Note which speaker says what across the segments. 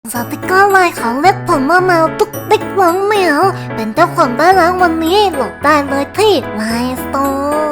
Speaker 1: สติกเกอร์ลายของเล็กผมว่าแมวตุ๊กติ๊กหวังเหมียวเป็นเจ้าของได้แล้ววันนี้โหลดได้เลยที่ไลน์สโตร์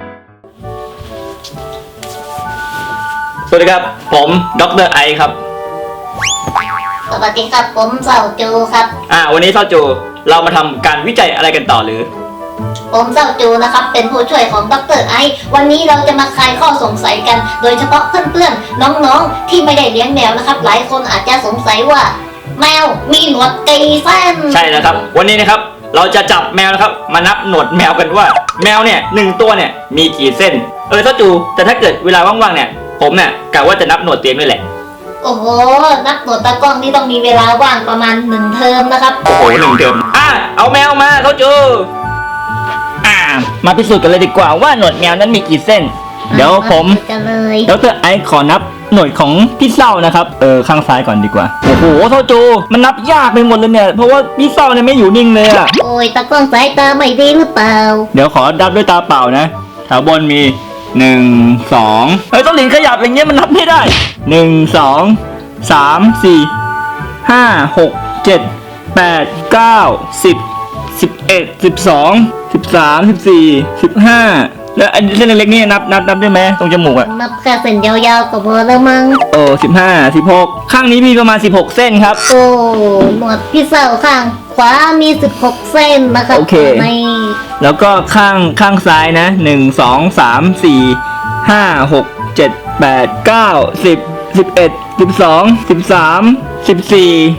Speaker 2: สวัสดีครับผมดร.ไอครับ
Speaker 1: สวัสดีครับผมเสาจูครับ
Speaker 2: วันนี้เสาจูเรามาทำการวิจัยอะไรกันต่อหรือ
Speaker 1: ผมเสาจูนะครับเป็นผู้ช่วยของดร.ไอวันนี้เราจะมาคลายข้อสงสัยกันโดยเฉพาะเพื่อนๆน้องๆที่ไม่ได้เลี้ยงแมวนะครับหลายคนอาจจะสงสัยว่าแมวมีหนวดกี่เส้น
Speaker 2: ใช่แล้วครับวันนี้นะครับเราจะจับแมวนะครับมานับหนวดแมวกันว่าแมวเนี่ย1ตัวเนี่ยมีกี่เส้นเสาจูแต่ถ้าเกิดเวลาว่างๆเนี่ยผมเนี่ยกะว่าจะนับหนวดเตียงด้วยแหละ
Speaker 1: โอ้โหนับหนวดตากล้องนี่ต้องมีเวลาว่างประมาณ1 เทอมนะครับ
Speaker 2: โอ้โห1 เทอมเอาแมวมาเสาจูมาพิสูจน์กันเลยดีกว่าว่าหนวดแมวนั้นมีกี่เส้นเดี๋ยวผมดร.ไอขอนับหนวดของพี่เศร้านะครับข้างซ้ายก่อนดีกว่าโอ้โหเสาจูมันนับยากไปหมดเลยเนี่ยเพราะว่าพี่เศร้าเนี่ยไม่อยู่นิ่งเลยอะ
Speaker 1: โอ้ยตากล้องสายตาไม่ดีหรือเปล่า
Speaker 2: เดี๋ยวขอนับด้วยตาเปล่านะแถวบนมี1 2ต้องหลินขยับอย่างเงี้ยมันนับไม่ได้1 2 3 4 5 6 7 8 9 10 11 12 13 14 15แล้วอันเส้นเล็กๆนี่นับได้ไหมตรงจมูกอะ
Speaker 1: นับแค่เส้นยาวๆก็พอแล้วมั้ง
Speaker 2: 15 16ข้างนี้มีประมาณ16เส้นครับ
Speaker 1: โอ้หนวดพี่เศร้าข้างขวามี16เส้นนะครับ
Speaker 2: โอเคแล้วก็ข้างซ้ายนะ1 2 3 4 5 6 7 8 9 10 11 12 13 14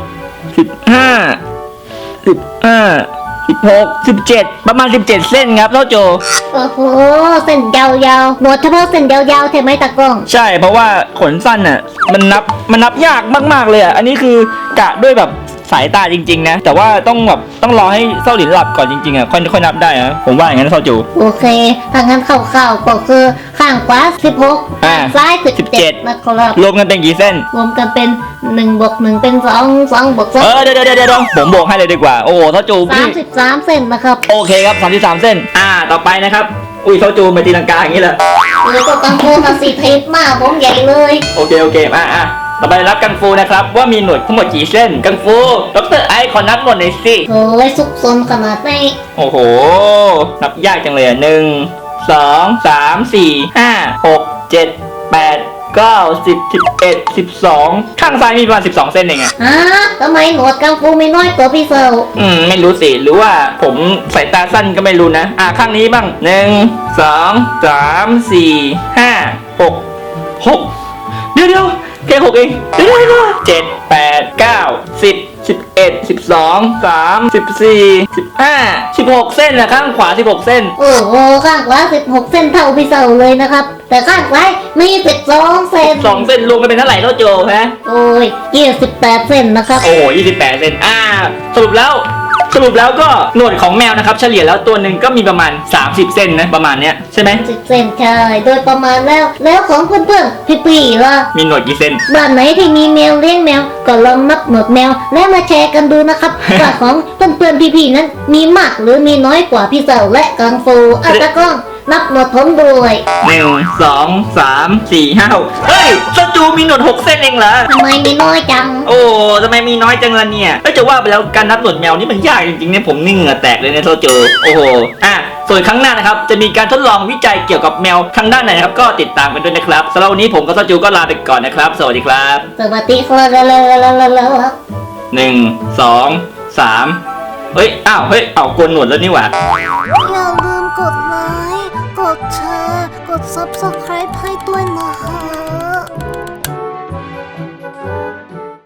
Speaker 2: 15 16 17ประมาณ17เส้นครับเท่าโจ
Speaker 1: โอ้โหเส้นยาวๆหนวดเฉพาะเส้นยาวๆใช่ไหมตากล้อง
Speaker 2: ใช่เพราะว่าขนสั้นน่ะมันนับยากมากๆเลยอ่ะอันนี้คือกะด้วยแบบสายตาจริงๆนะแต่ว่าต้องรอให้เศร้าหลินหลับก่อนจริงๆอ่ะค่อยนับได้นะผมว่าอย่างนั้นเศร้าจู
Speaker 1: โอเคถ้างั้นคร่าวๆก็คือข้างขวา16ข้างซ้าย17นะครับ
Speaker 2: รวมกันเป็นกี่เส้น
Speaker 1: รวมกันเป็น1 บวก 1เป็น2 2 บวก 2
Speaker 2: เดี๋ยวผมบวกให้เลยดีกว่าโอ้โหเศร้าจู
Speaker 1: 33เส้นนะครับ
Speaker 2: โอเคครับ33เส้นต่อไปนะครับอุ้ยเศร้าจูไปตีลังกาอย่างนี้เลย
Speaker 1: แล้วก็กังฟูมาสิเทปมากผมใหญ่เลย
Speaker 2: โอเคต่อไปรับกังฟูนะครับว่ามีหนวดทั้งหมดกี่เส้นกังฟูดร.ไอขอนับหนวดหน่อยสิ
Speaker 1: โอ้ยซุกซนขนาดนี้
Speaker 2: โอ้โหนับยากจังเลย1 2 3 4 5 6 7 8 9 10 11 12ข้างซ้ายมีประมาณ12เส้นเอง
Speaker 1: ทำไมหนวดกังฟูไม่น้อยกว่าพี่เซล
Speaker 2: ไม่รู้สิหรือว่าผมสายตาสั้นก็ไม่รู้นะข้างนี้บ้าง1 2 3 4 5 6เดี๋ยวแค่6เอง7 8 9 10 11 12 13 14 15 16เส้นนะข้างขวา16เส้น
Speaker 1: โอ้โหข้างขวา16เส้นเท่าพี่เซลเลยนะครับแต่ข้างซ้ายมี12เส้น
Speaker 2: 12เส้นรวมกันเป็นเท่าไหร่เท่าโจฮะ
Speaker 1: โอ้ย28เส้นนะครับ
Speaker 2: โอ้28เส้นสรุปแล้วก็หนวดของแมวนะครับเฉลี่ยแล้วตัวหนึ่งก็มีประมาณ30เส้นนะประมาณเนี้ยใช่ไหม
Speaker 1: 10เส้นใช่โดยประมาณแล้วของเพื่อนๆพี่ๆล่ะ
Speaker 2: มีหนวดกี่เส้น
Speaker 1: บ้านไหนที่มีแมวเลี้ยงแมวก็ลองนับหนวดแมวแล้วมาแชร์กันดูนะครับ ว่าของเพื่อนๆพี่ๆนั้นมีมากหรือมีน้อยกว่าพี่เซลและกังฟูตะก้องนับหนวดผมด้วย
Speaker 2: 1 2 3 4 5 6เฮ้ยเจ้าจูมีหนวด6เส้นเองเหรอ
Speaker 1: ทำไมมีน้อยจัง
Speaker 2: โอ้ทำไมมีน้อยจังล่ะเนี่ยจะว่าไปแล้วการนับหนวดแมวนี่มันยากจริงๆเนี่ยผมนี่เหงื่อแตกเลยเนี่ยเจ้าจูโอ้โหส่วนครั้งหน้านะครับจะมีการทดลองวิจัยเกี่ยวกับแมวทางด้านไหนนะครับก็ติดตามกันด้วยนะครับสำหรับวันนี้ผมกับเจ้าจูก็ลาไปก่อนนะครับสวัสดีครับ
Speaker 1: สวัสดีครับ
Speaker 2: 1 2 3เฮ้ยโกนหนวดแล้วนี่หว่า
Speaker 1: อย่าลืมกดไลค์กดแชร์กด Subscribe ให้ด้วยนะ